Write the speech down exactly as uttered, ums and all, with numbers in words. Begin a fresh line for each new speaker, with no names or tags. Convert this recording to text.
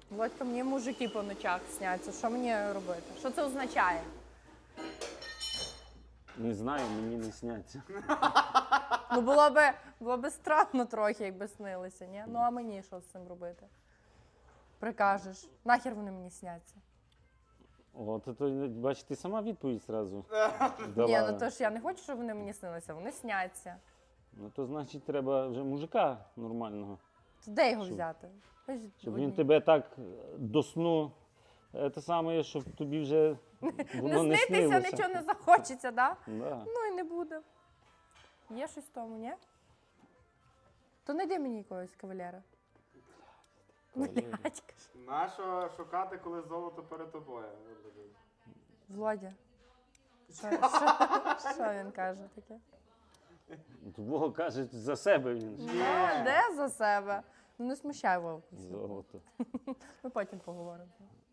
Володька, мені мужики по ночах сняться. Що мені робити? Що це означає?
Не знаю, мені не сняться.
Ну було би, було би странно трохи, якби снилися, ні? Ну а мені що з цим робити? Прикажеш. Нахер вони мені сняться?
От, то, бач, ти сама відповідь зразу
Ні,
дала.
ну то ж я не хочу, щоб вони мені снилися, вони сняться.
Ну, то значить, треба вже мужика нормального.
То де його
Щоб-
взяти? Ви ж
Щоб
одні.
він тебе так до сну, е, те саме, щоб тобі вже воно не
Не снитися,
снилося.
нічого не захочеться, да?
Да.
Ну і не буде. Є щось в тому, ні? То знайди мені якогось кавалера.
Кавалера.
Блядь, кажу.
Нащо шукати, коли золото перед тобою?
Володя. Що, що, що він каже таке?
Вова каже за себе він.
Ну, де за себе? Ну не смущай Вовку.
Золото.
Ми потім поговоримо.